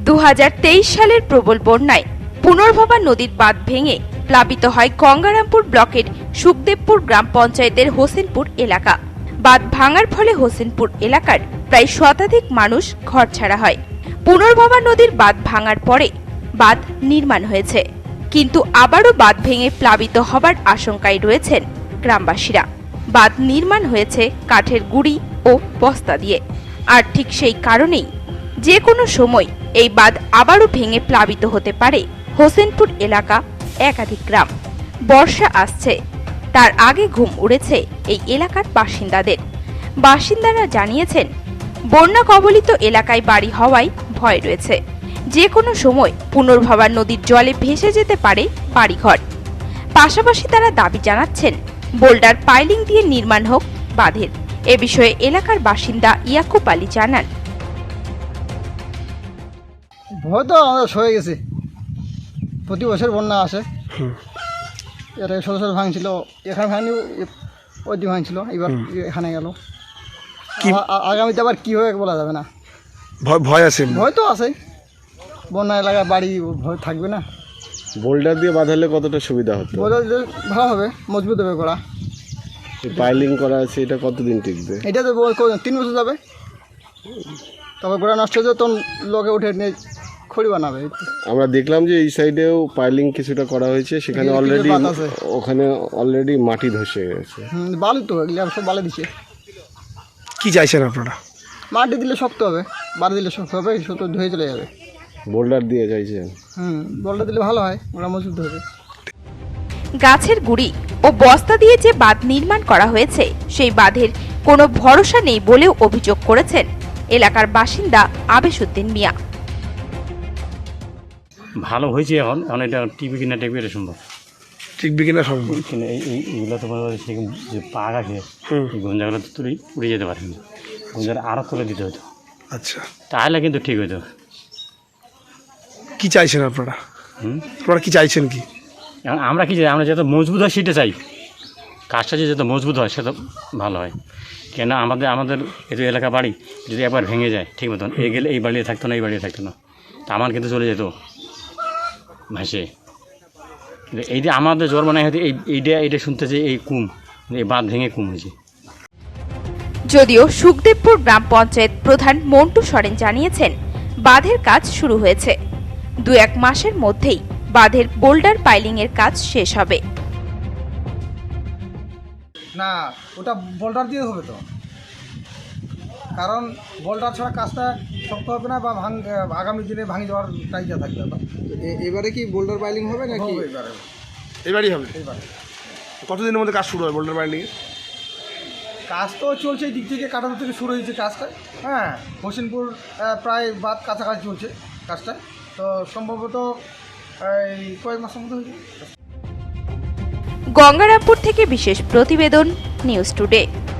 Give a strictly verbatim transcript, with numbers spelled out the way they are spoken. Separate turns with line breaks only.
দু হাজার তেইশ সালের প্রবল বন্যায় পুনর্ভবা নদীর বাঁধ ভেঙে প্লাবিত হয় গঙ্গারামপুর ব্লকের সুখদেবপুর গ্রাম পঞ্চায়েতের হোসেনপুর এলাকা। বাঁধ ভাঙার ফলে হোসেনপুর এলাকার প্রায় শতাধিক মানুষ ঘরছাড়া হয়। পুনর্ভবা নদীর বাঁধ ভাঙার পরে বাঁধ নির্মাণ হয়েছে, কিন্তু আবারও বাঁধ ভেঙে প্লাবিত হবার আশঙ্কায় রয়েছেন গ্রামবাসীরা। বাঁধ নির্মাণ হয়েছে কাঠের গুঁড়ি ও বস্তা দিয়ে, আর ঠিক সেই কারণেই যে কোনো সময় এই বাঁধ আবারও ভেঙে প্লাবিত হতে পারে হোসেনপুর এলাকা একাধিক গ্রাম। বর্ষা আসছে, তার আগে ঘুম উড়েছে এই এলাকার বাসিন্দাদের। বাসিন্দারা জানিয়েছেন, বন্যা কবলিত এলাকায় বাড়ি হওয়ায় ভয় রয়েছে। যে কোনো সময় পুনর্ভবা নদীর জলে ভেসে যেতে পারে বাড়িঘর। পাশাপাশি তারা দাবি জানাচ্ছেন বোল্ডার পাইলিং দিয়ে নির্মাণ হোক বাঁধের। এ বিষয়ে এলাকার বাসিন্দা ইয়াকুব আলী জানান,
ভয় তো আমাদের হয়ে গেছে, প্রতি বছর বন্যা আসে। এর ষোলো সাল ভাঙছিল, এখানে ভাঙনি, ওই দিয়ে ভাঙছিল, এবার এখানে গেল। আগামীতে আবার কী হবে বলা যাবে না।
ভয় ভয় আছে,
ভয় তো আছে, বন্যা এলাকায় বাড়ি ভয় থাকবে না।
বোল্ডার দিয়ে বাঁধালে কতটা সুবিধা হতো?
বোল্ডার দিলে ভালো হবে, মজবুত হবে গোড়া।
পাইলিং করা আছে, এটা কতদিন টিকবে?
এটা তো তিন বছর যাবে, তবে গোড়া নষ্ট হয়ে যাবে, তখন লোকে উঠে নিয়ে খড়ি বানাবে।
আমরা দেখলাম যে এই সাইডেও পাইলিং কিছুটা করা হয়েছে, সেখানে অলরেডি ওখানে অলরেডি মাটি ধসে গেছে।
হুম, বালি তো এগুলো সব বালি দিচ্ছে।
কি চাইছেন আপনারা?
মাটি দিলে শক্ত হবে, বালি দিলে শক্ত হবে, শক্ত ধুয়ে চলে যাবে।
বোল্ডার দিয়ে চাইছেন?
হুম, বোল্ডার দিলে ভালো হয়, ওরা মজবুত হবে।
গাছের গুঁড়ি ও বস্তা দিয়ে যে বাঁধ নির্মাণ করা হয়েছে, সেই বাঁধের কোনো ভরসা নেই বলেও অভিযোগ করেছেন এলাকার বাসিন্দা আবেশুদ্দিন মিয়া।
ভালো হয়েছে, এখন এখন এটা টিভি কিনা টিভি এটা সম্ভব,
টিকবে কিনা সম্ভব।
কিন্তু এই এইগুলো তো মনে হয় সেরকম যে পাক আছে, এই গঞ্জাগুলো তো তুলে উড়ে যেতে পারে না, গঞ্জাটা আরও তুলে দিতে হতো।
আচ্ছা,
তাহলে কিন্তু ঠিক হতো।
কি চাইছেন আপনারা?
হুম,
আপনারা কি চাইছেন? কি
এখন আমরা কি চাই? আমরা যত মজবুত হয় সেটা চাই, কাজটা যে যত মজবুত হয় সেটা ভালো হয়। কেন আমাদের আমাদের এত এলাকা বাড়ি যদি একবার ভেঙে যায় ঠিক মতন, এই গেলে এই বাড়িতে থাকতো না, এই বাড়িতে থাকতো না, তা আমার কিন্তু চলে যেত ভাসে। কিন্তু এই যে আমাদের জ্বর মনে হয় এই এইটা এইটা শুনতেছে, এই কুম, এই বাঁধ ভেঙে কুম হয়েছে।
যদিও সুখদেবপুর গ্রাম পঞ্চায়েত প্রধান মন্টু সরেন জানিয়েছেন, বাঁধের কাজ শুরু হয়েছে, দু এক মাসের মধ্যেই বাঁধের বোল্ডার পাইলিং এর কাজ শেষ হবে।
না, ওটা বোল্ডার দিয়ে হবে তো, কারণ বোল্ডার ছাড়া কাজটা শক্ত হবে না, বা ভাঙ আগামী দিনে ভাঙে যাওয়ার টাইজা থাকবে। এবারে কি বোল্ডার পাইলিং হবে নাকি? এবারে
এবারই হবে।
এবারে
কতদিনের মধ্যে কাজ শুরু হয় বোল্ডার পাইলিং?
কাজ তো চলছে, এই দিক থেকে কাটাতে থেকে শুরু হয়েছে কাজটা। হ্যাঁ, হোসেনপুর প্রায় বাদ কাছাকাছি চলছে কাজটা, তো সম্ভবত এই কয়েক মাসের মধ্যে হয়েছে।
গঙ্গারামপুর থেকে বিশেষ প্রতিবেদন, নিউজ টুডে।